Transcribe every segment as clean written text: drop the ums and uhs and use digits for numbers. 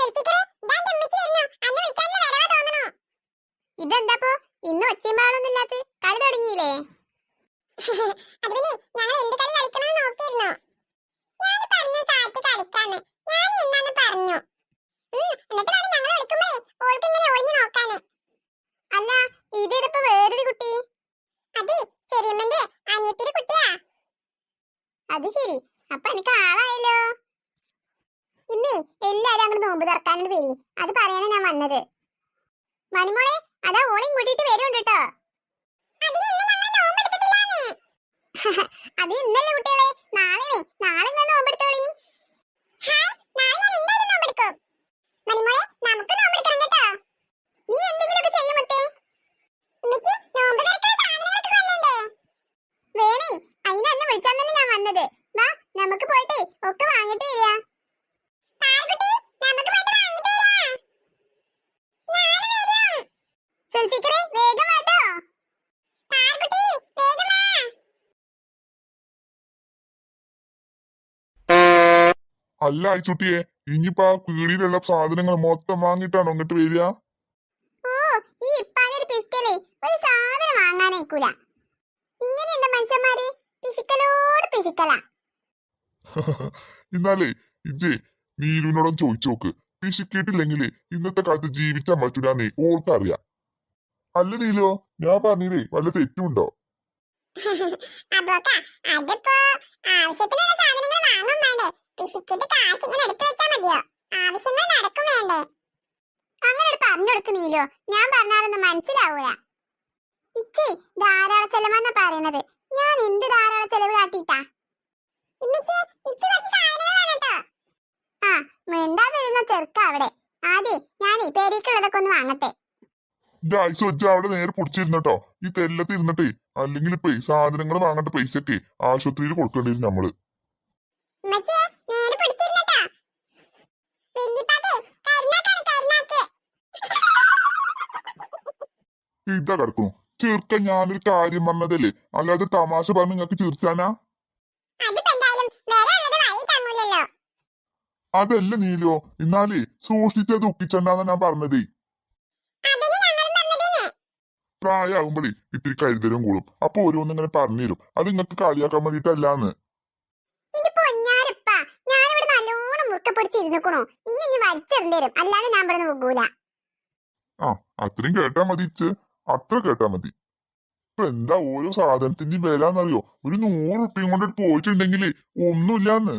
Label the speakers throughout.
Speaker 1: ഇതെന്താപ്പോ ഇന്ന് ഒച്ചമ്പാളൊന്നുമില്ലാത്ത കളി തുടങ്ങിയില്ലേ? ഞങ്ങൾ എന്ത് കളി കളിക്കണം നോക്കിയിരുന്നു. ഞാൻ പറഞ്ഞു സാറ്റ് കളിക്കാന്ന്. ഞാൻ ഇന്നാന്ന് പറഞ്ഞു. എന്നിട്ടാണ് ഞങ്ങൾ കളിക്കുമ്പോഴേ ഓൾക്ക് ഇങ്ങനെ ഒളിഞ്ഞു നോക്കാന്. അല്ല, ഇതിപ്പോ വേറൊരു കുട്ടി. അതെ, ചെറിയമ്മന്റെ അനിയത്തിയുടെ കുട്ടിയാ. അത് ശരി, അപ്പൊ എനിക്ക് ആളായല്ലോ. ഇന്നേ എല്ലാരും അങ്ങോട്ട് നോമ്പ് തുറക്കാനോട് പേര്, അത് പറയാനാ ഞാൻ വന്നത്. മണിമോളെ, അതാ ഓളെയും കൂട്ടിട്ട് വരുന്നുണ്ട് കേട്ടോ. അത് ഇന്നല്ലേ കുട്ടികളെ, നാളെ ഞാൻ നോമ്പെടുത്തോളിയും. മണിമോളെ, നമുക്ക് നോമ്പെടുക്കണം കേട്ടോ. നീ എന്തെങ്കിലുമൊക്കെ ചെയ്യും മുത്തേ. വേണേ, അതിനന്ന് വിളിച്ചാൽ തന്നെ ഞാൻ വന്നത്. വാ, നമുക്ക് പോയിട്ടേ ഒക്കെ വാങ്ങിട്ട് വരിക. സുൽഫിക്കറെ, വേഗം വാട്ടോ.
Speaker 2: അല്ല അയച്ചുട്ടിയെ, ഇനിയിപ്പോ ആ പീടിയിലുള്ള സാധനങ്ങൾ മൊത്തം വാങ്ങിട്ടാണോ ഇങ്ങോട്ട് വരിക?
Speaker 1: ഓ, ഈ ഇപ്പാനൊരു പിസ്കലേ ഒരു സാധനം വാങ്ങാനേക്കൂല. ഇങ്ങനെയുണ്ട് മനുഷ്യന്മാര്, പിസിക്കലോട് പിസിക്കല.
Speaker 2: എന്നാലേ ഇജേ നീലുവിനോടും ചോദിച്ചു നോക്ക്. പിശുക്കിയിട്ടില്ലെങ്കിൽ ഇന്നത്തെ കാലത്ത് ജീവിക്കാൻ പറ്റൂലെന്നേ ഓൾക്കറിയാം. അല്ല നീലോ, ഞാൻ പറഞ്ഞില്ലേ വല്ല തെറ്റുണ്ടോ?
Speaker 1: അതിപ്പോ ആവശ്യത്തിനുള്ള സാധനങ്ങൾ വാങ്ങും വേണ്ടേ? പിശുക്കിട്ട് കാശ് ഇങ്ങനെ എടുത്തു വെച്ചാൽ മതിയോ? ആവശ്യങ്ങൾ നടക്കും വേണ്ടേ? അങ്ങനെ പറഞ്ഞു കൊടുക്കുന്നീലോ, ഞാൻ പറഞ്ഞാലൊന്നും മനസ്സിലാവൂല. ഇച്ചി ധാരാള ചെലവെന്നാ പറയണത്. ഞാൻ എന്ത് ധാരാള ചെലവ് കാട്ടിട്ടാ? ആ, മിണ്ടാതിരുന്ന ചെറുക്ക അവിടെ. ആദ്യേ ഞാനേ പേരേക്കുള്ളതൊക്കെ ഒന്ന് വാങ്ങട്ടെ.
Speaker 2: ഐസ് വെച്ച അവിടെ നേരെ പൊടിച്ചിരുന്നട്ടോ. ഈ തെല്ലത്ത് ഇരുന്നിട്ടേ, അല്ലെങ്കിൽ ഇപ്പൊ സാധനങ്ങൾ വാങ്ങേണ്ട പൈസയൊക്കെ ആശുപത്രിയിൽ കൊടുക്കേണ്ടി വരും നമ്മള്. ഇതാ കിടക്കണു ചെറുക്ക. ഞാനൊരു കാര്യം പറഞ്ഞതല്ലേ, അല്ലാതെ തമാശ പറഞ്ഞ് നിങ്ങക്ക് ചിരിച്ചാനാ? അതല്ല നീലോ, എന്നാലേ സൂക്ഷിച്ചത് ഒപ്പിച്ചണ്ടാന്നാ ഞാൻ പറഞ്ഞതേ. പ്രായമാകുമ്പോഴേ ഇത്തിരി കരുതലും കൂടും. അപ്പൊ ഓരോന്നിങ്ങനെ പറഞ്ഞുതരും. അത് നിങ്ങക്ക് കളിയാക്കാൻ വേണ്ടിട്ടല്ലാന്ന്. ആ, അത്രയും കേട്ടാ മതി ഇച്ച്. അത്ര കേട്ടാ മതി. ഇപ്പൊ എന്താ ഓരോ സാധനത്തിന്റെയും വില എന്നറിയോ? ഒരു 100 ഉറുപ്പിയും കൊണ്ട് പോയിട്ടുണ്ടെങ്കിലേ ഒന്നുമില്ലാന്ന്.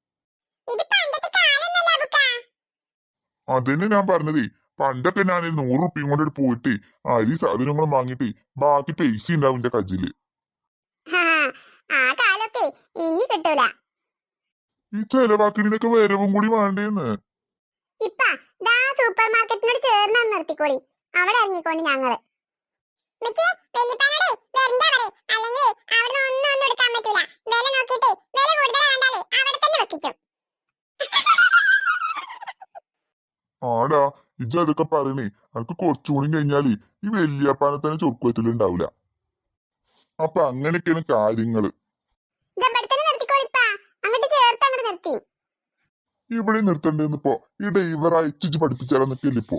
Speaker 2: അതന്നെ ഞാൻ പറഞ്ഞതേ. പണ്ടൊക്കെ ഞാൻ 100 ഉറുപ്പിയും കൊണ്ട് പോയിട്ട് അരി സാധനങ്ങളും വാങ്ങിട്ട് ബാക്കി പൈസ ഉണ്ടാവും എന്റെ കജില്. ഈ ചെലവാക്കിനൊക്കെ വരവും കൂടി വേണ്ടേന്ന്.
Speaker 1: സൂപ്പർ മാർക്കറ്റിനോട് ചേർന്ന് നിർത്തിക്കോളി. അവിടെ ഇറങ്ങിക്കോണ്ടി ഞങ്ങള്.
Speaker 2: ആടാ, ഇജ്ജ് അതൊക്കെ പറയണേ. അനക്ക് കുറച്ചുകൂടി കഴിഞ്ഞാല് ഈ വല്യപ്പാനെ തന്നെ ചൊറുക്കുവത്തിലുണ്ടാവൂല. അപ്പൊ അങ്ങനെയൊക്കെയാണ് കാര്യങ്ങള്. ഇവിടെ നിർത്തണ്ടേന്നിപ്പോ ഈ ഡ്രൈവർ അയച്ചു പഠിപ്പിച്ചാലോ നിൽക്കില്ല ഇപ്പോ.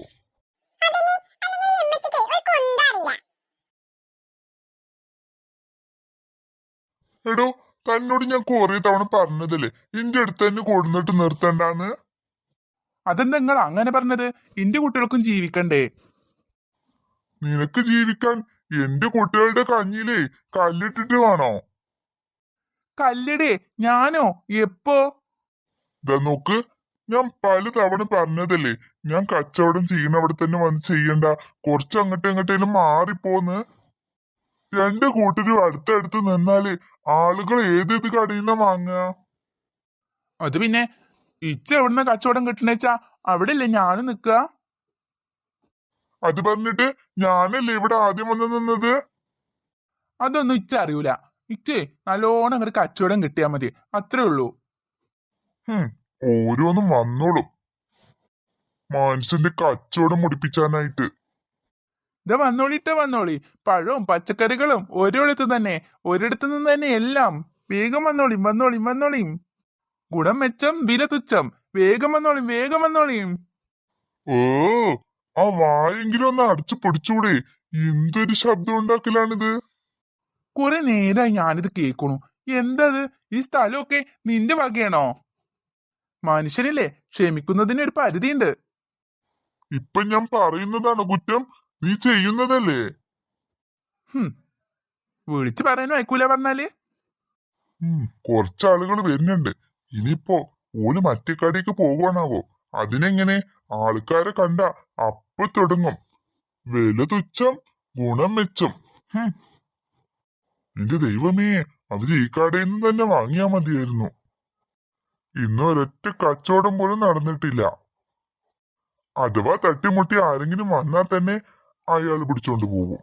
Speaker 2: എടോ, തന്നോട് ഞാൻ കൊറേ തവണ പറഞ്ഞതല്ലേ ഇന്റെ അടുത്ത് തന്നെ കൊടുന്നിട്ട് നിർത്തണ്ടാന്ന്.
Speaker 3: അതെന്താ നിങ്ങൾ അങ്ങനെ പറഞ്ഞത്? എന്റെ കുട്ടികൾക്കും ജീവിക്കണ്ടേ?
Speaker 2: നിനക്ക് ജീവിക്കാൻ എന്റെ കുട്ടികളുടെ കഞ്ഞിലേ കല്ലിട്ടിട്ട് വേണോ?
Speaker 3: കല്ലടേ, ഞാനോ? എപ്പോ?
Speaker 2: ഇതാ നോക്ക്, ഞാൻ പല തവണ പറഞ്ഞതല്ലേ ഞാൻ കച്ചവടം ചെയ്യുന്ന അവിടെ തന്നെ വന്ന് ചെയ്യണ്ട, കുറച്ച് അങ്ങോട്ടും ഇങ്ങോട്ടേലും മാറിപ്പോന്ന്. രണ്ട് കൂട്ടരും അടുത്തടുത്ത് നിന്നാല് ആളുകൾ ഏതേത് കടയിൽ നിന്നാ വാങ്ങുക?
Speaker 3: അത് പിന്നെ ഇച്ച എവിടുന്ന കച്ചവടം കിട്ടണേച്ചാ അവിടെയല്ലേ ഞാനും നിക്കുക.
Speaker 2: അത് പറഞ്ഞിട്ട് ഞാനല്ലേ ഇവിടെ ആദ്യം വന്ന് നിന്നത്?
Speaker 3: അതൊന്നും ഇച്ച അറിയൂല. ഇക്ക് നല്ലോണം അങ്ങോട്ട് കച്ചവടം കിട്ടിയാ മതി, അത്രേ ഉള്ളൂ.
Speaker 2: ഓരോന്നും വന്നോളും മനുഷ്യന്റെ കച്ചവടം മുടിപ്പിച്ചാനായിട്ട്.
Speaker 3: ഇത് വന്നോളി. പഴവും പച്ചക്കറികളും ഒരിടത്ത് തന്നെ, ഒരിടത്തു നിന്ന് തന്നെ എല്ലാം. വേഗം വന്നോളിയും. ഗുണം മെച്ചം, വില തുച്ഛം. വേഗം വന്നോളിയും.
Speaker 2: ഓ, ആ വായെങ്കിലും ഒന്ന് അടച്ചു പിടിച്ചൂടെ? എന്തൊരു ശബ്ദം ഉണ്ടാക്കലാണിത്?
Speaker 3: കുറെ നേരമായി ഞാനിത് കേൾക്കണു. എന്തത്? ഈ സ്ഥലമൊക്കെ നിന്റെ വകയാണോ? മനുഷ്യനില്ലേ, ക്ഷമിക്കുന്നതിന് ഒരു പരിധിയുണ്ട്.
Speaker 2: ഇപ്പൊ ഞാൻ പറയുന്നതാണ് കുറ്റം, നീ ചെയ്യുന്നതല്ലേ?
Speaker 3: ഹും, വിളിച്ചു പറയാനും അയക്കൂല പറഞ്ഞാല്.
Speaker 2: കുറച്ചാളുകൾ വരുന്നുണ്ട്. ഇനിയിപ്പോ ഓല് മറ്റേ കടയ്ക്ക് പോകുവാണാവോ? അതിനെങ്ങനെ? ആൾക്കാരെ കണ്ട അപ്പൊ തുടങ്ങും വില തുച്ഛം ഗുണം മെച്ചം. ഹും. എന്റെ ദൈവമേ, അവര് ഈ കടയിൽ നിന്ന് തന്നെ വാങ്ങിയാ മതിയായിരുന്നു. ഇന്ന് ഒരൊറ്റ കച്ചവടം പോലും നടന്നിട്ടില്ല. അഥവാ തട്ടിമുട്ടി ആരെങ്കിലും വന്നാൽ തന്നെ അയാൾ പിടിച്ചോണ്ട് പോകും.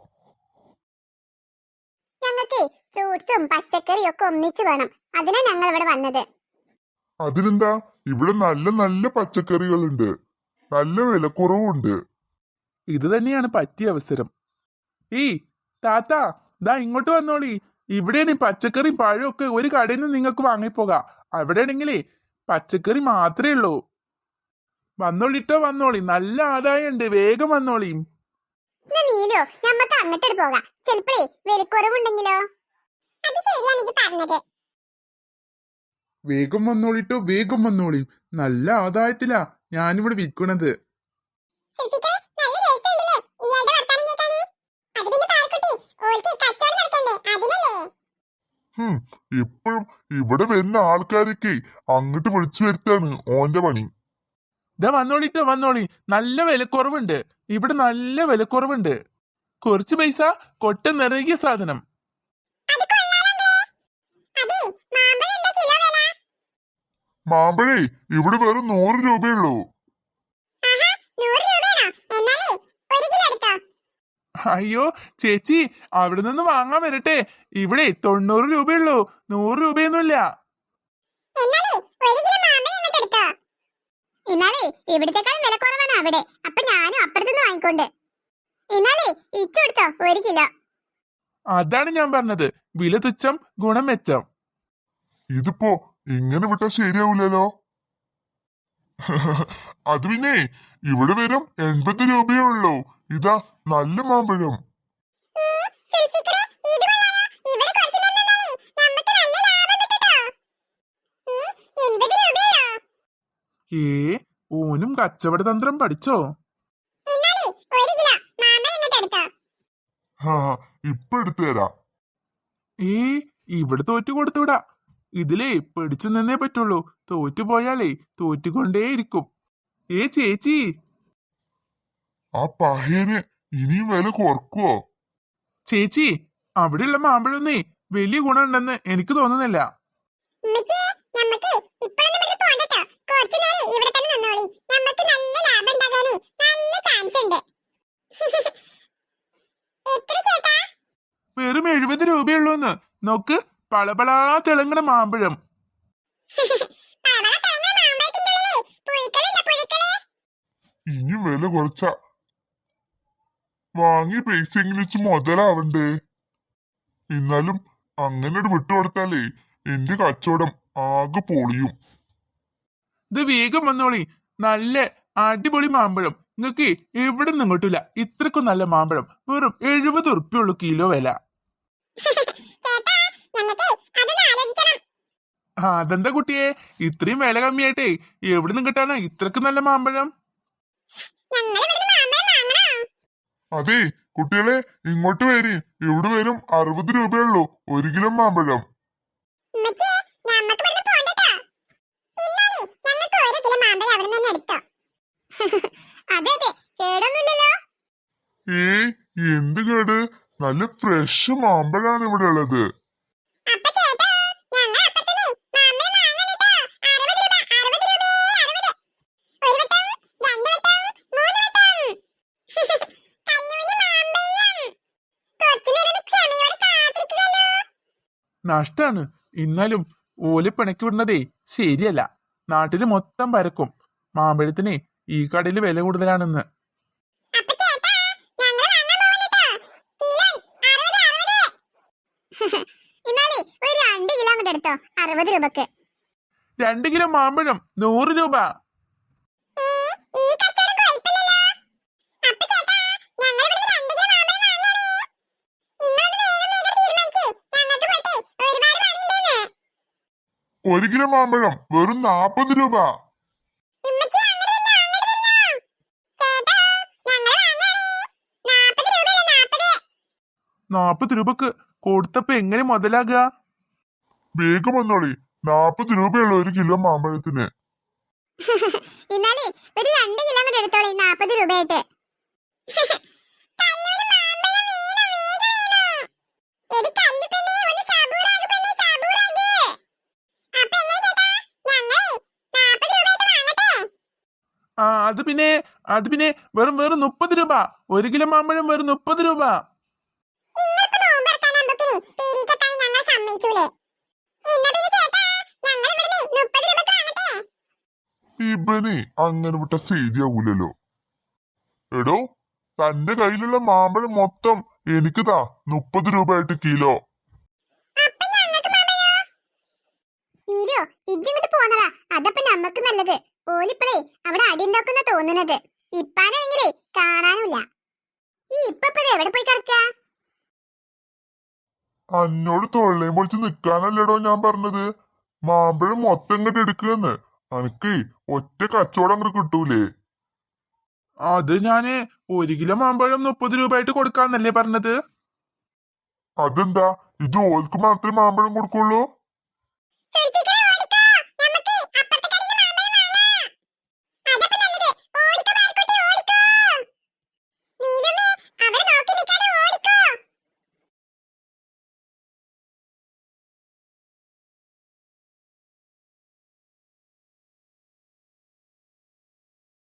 Speaker 1: ഞങ്ങൾക്ക് ഫ്രൂട്ട്സും പച്ചക്കറിയും ഒക്കെ ഒന്നിച്ച് വേണം. അതിനാ ഞങ്ങൾ ഇവിടെ വന്നത്.
Speaker 2: അതിനെന്താ, ഇവിടെ നല്ല നല്ല പച്ചക്കറികളുണ്ട്, നല്ല വിലക്കുറവുണ്ട്.
Speaker 3: ഇത് തന്നെയാണ് പറ്റിയ അവസരം. ഏയ് താത്ത, ദാ ഇങ്ങോട്ട് വന്നോളി. ഇവിടെയാണ് ഈ പച്ചക്കറിയും പഴവും ഒക്കെ ഒരു കടയിൽ നിന്ന് നിങ്ങൾക്ക് വാങ്ങിപ്പോകാം. അവിടെയാണെങ്കിലേ പച്ചക്കറി മാത്രമേ ഉള്ളൂ. വന്നോളിട്ടോ, വന്നോളി. നല്ല ആദായം ഉണ്ട്, വേഗം വന്നോളി.
Speaker 1: നീലോ, നമ്മക്ക് അങ്ങോട്ട് പോകാം. ചിലപ്പോഴേ വിലക്കുറവുണ്ടെങ്കിലോ? അത് ശരിയാണ് ഇത് പറഞ്ഞത്.
Speaker 3: വേഗം വന്നോളിട്ടോ, വേഗം വന്നോളി. നല്ല ആദായത്തിലാ ഞാനിവിടെ വിൽക്കണത്.
Speaker 2: ഇപ്പോഴും ഇവിടെ വരുന്ന ആൾക്കാരൊക്കെ അങ്ങോട്ട് വിളിച്ചു വരുത്താണ് ഓന്റെ പണി.
Speaker 3: ഇതാ വന്നോളിട്ടോ, വന്നോളി. നല്ല വിലക്കുറവുണ്ട് ഇവിടെ, നല്ല വിലക്കുറവുണ്ട്. കുറച്ച് പൈസ കൊട്ട നിറകിയ സാധനം.
Speaker 2: മാമ്പഴേ ഇവിടെ വെറും 100 രൂപയുള്ളൂ.
Speaker 3: അയ്യോ ചേച്ചി, അവിടെ നിന്ന് വാങ്ങാൻ വരട്ടെ. ഇവിടെ 90 രൂപയുള്ളൂ, 100 രൂപയൊന്നുമില്ല.
Speaker 1: എന്നാലേ ഇവിടത്തെക്കാളും വില കുറവാണ് അവിടെ. അപ്പൊ ഞാനും അപ്പുറത്തുനിന്ന് വാങ്ങിക്കൊണ്ട്. എന്നാലേ ഇച്ചെടുത്തോ 1 കിലോ.
Speaker 3: അതാണ് ഞാൻ പറഞ്ഞത്, വില തുച്ഛം ഗുണം മെച്ചം.
Speaker 2: ഇതിപ്പോ ഇങ്ങനെ വിട്ടാ ശരിയാവൂലോ. അത് പിന്നെ ഇവിടെ വരും 80 രൂപയേ ഉള്ളൂ. ഇതാ നല്ല മാമ്പഴം.
Speaker 3: ഏ, ഓനും കച്ചവട തന്ത്രം പഠിച്ചോ?
Speaker 2: ഹാ, ഇപ്പൊ എടുത്തു തരാം.
Speaker 3: ഏ, ഇവിടെ തോറ്റു കൊടുത്തുവിടാ. ഇതിലേ പിടിച്ചു നിന്നേ പറ്റുള്ളൂ. തോറ്റുപോയാലേ തോറ്റുകൊണ്ടേയിരിക്കും. ഏ ചേച്ചി,
Speaker 2: ആ പഹയന് ഇനിയും വില കുറക്കുവോ?
Speaker 3: ചേച്ചി, അവിടെയുള്ള മാമ്പഴമൊന്നേ വലിയ ഗുണമുണ്ടെന്ന് എനിക്ക് തോന്നുന്നില്ല. വെറും 70 രൂപയുള്ളൂന്ന്. നോക്ക്, പളപളാ തിളങ്ങണ മാമ്പഴം.
Speaker 2: ഇനി വില കുറച്ച വാങ്ങിയ പൈസയെങ്കിലും വെച്ച് മുതലാവണ്ടേ? എന്നാലും അങ്ങനെ വിട്ടുകൊടുത്താലേ എന്റെ കച്ചവടം ആകെ പൊളിയും.
Speaker 3: ഇത് വേഗം വന്നോളി. നല്ല അടിപൊളി മാമ്പഴം. നിങ്ങക്ക് എവിടെ നിന്നും കിട്ടൂല ഇത്രക്കും നല്ല മാമ്പഴം. വെറും 70 ഉറുപ്പ്യുള്ളൂ കിലോ വില. അതെന്താ കുട്ടിയെ, ഇത്രയും വില കമ്മിയായിട്ടേ എവിടെ നിന്ന് കിട്ടാനാ ഇത്രക്ക് നല്ല മാമ്പഴം?
Speaker 2: അതെ കുട്ടികളെ, ഇങ്ങോട്ട് വരി. ഇവിടെ വരും 60 രൂപയുള്ളൂ 1 കിലോ മാമ്പഴം. ഏയ്, എന്ത് കേട്? നല്ല ഫ്രഷ് മാമ്പഴാണ് ഇവിടെ ഉള്ളത്.
Speaker 3: നഷ്ടാണ്. എന്നാലും ഓലെ പിണക്കി വിടുന്നതേ ശരിയല്ല. നാട്ടില് മൊത്തം പരക്കും മാമ്പഴത്തിന് ഈ കടയിൽ വില കൂടുതലാണെന്ന്.
Speaker 1: എടുത്തോ 60 രൂപക്ക്.
Speaker 3: 2 കിലോ മാമ്പഴം 100 രൂപ.
Speaker 1: ഈ കച്ചവടം കുഴപ്പമില്ലല്ലോ.
Speaker 2: ഒരു കിലോ മാമ്പഴം വെറും 40 രൂപ.
Speaker 1: ഉമ്മച്ചി, അങ്ങട് തന്നോ, അങ്ങട് തന്നോ. ചേട്ടാ, ഞങ്ങള് വാങ്ങാണേ. 40 രൂപയല്ലേ, 40.
Speaker 3: 40 രൂപക്ക് കൊടുത്തപ്പോ എങ്ങനെ മുതലാകുക?
Speaker 2: വേഗം വന്നോളി, 40 രൂപയുള്ള ഒരു കിലോ മാമ്പഴത്തിന്.
Speaker 1: എന്നാലേ ഒരു 2 കിലോ കൂടെ എടുത്തോളി, 40 രൂപയായിട്ട്. കല്ലൂര് മാമ്പഴം വേണം, വേഗം വേണം. എടി കല്ലുപെണ്ണേ, ഒന്ന് സബൂറാക് പെണ്ണേ, സബൂറാക്. അപ്പൊ എങ്ങനെ ചേട്ടാ, ഞങ്ങളേ 40 രൂപയായിട്ട് വാങ്ങട്ടെ?
Speaker 3: ആ അത് പിന്നെ വെറും 30 രൂപ. ഒരു കിലോ മാമ്പഴം വെറും 30 രൂപ.
Speaker 1: നിങ്ങൾക്ക് നോമ്പറക്കാനാകുമ്പോക്കിനി പേരീക്കെത്താൻ ഞങ്ങൾ സമ്മതിച്ചൂലേ? എന്നാ പിന്നെ ചേട്ടാ, ഞങ്ങൾ ഇവിടുന്ന് 30 രൂപക്ക് വാങ്ങട്ടെ?
Speaker 2: ഇവനെ അങ്ങനെ വിട്ട ശരിയാവൂലല്ലോ. എടോ, തന്റെ കയ്യിലുള്ള മാമ്പഴം മൊത്തം എനിക്ക് താ, 30 രൂപയായിട്ട് കിലോ.
Speaker 1: അപ്പൊ ഞങ്ങൾക്ക് മാമ്പഴോ? നീരോ, ഇജ്ജിങ്ങോട്ട് പോന്നടാ, അതപ്പൊ നമ്മക്ക് നല്ലത്. ഓലിപ്പളേ അവിടെ അടിയുണ്ടാക്കുന്ന തോന്നുന്നത്. ഇപ്പാനാണെങ്കിലേ കാണാനുമില്ല. ഈ ഇപ്പത് എവിടെ പോയി കിടക്ക?
Speaker 2: അന്നോട് തൊള്ളയും പൊളിച്ച് നിക്കാനല്ലടോ ഞാൻ പറഞ്ഞത്. മാമ്പഴം മൊത്തം ഇങ്ങോട്ട് എടുക്കുകയെന്ന്. അനക്ക് ഒറ്റ കച്ചവടം അങ്ങോട്ട് കിട്ടൂലേ?
Speaker 3: അത് ഞാന് 1 കിലോ മാമ്പഴം 30 രൂപയായിട്ട് കൊടുക്കാന്നല്ലേ പറഞ്ഞത്?
Speaker 2: അതെന്താ, ഇത് ഓൽക്ക് മാത്രമേ മാമ്പഴം കൊടുക്കുള്ളൂ?
Speaker 1: സുൽഫിക്ക,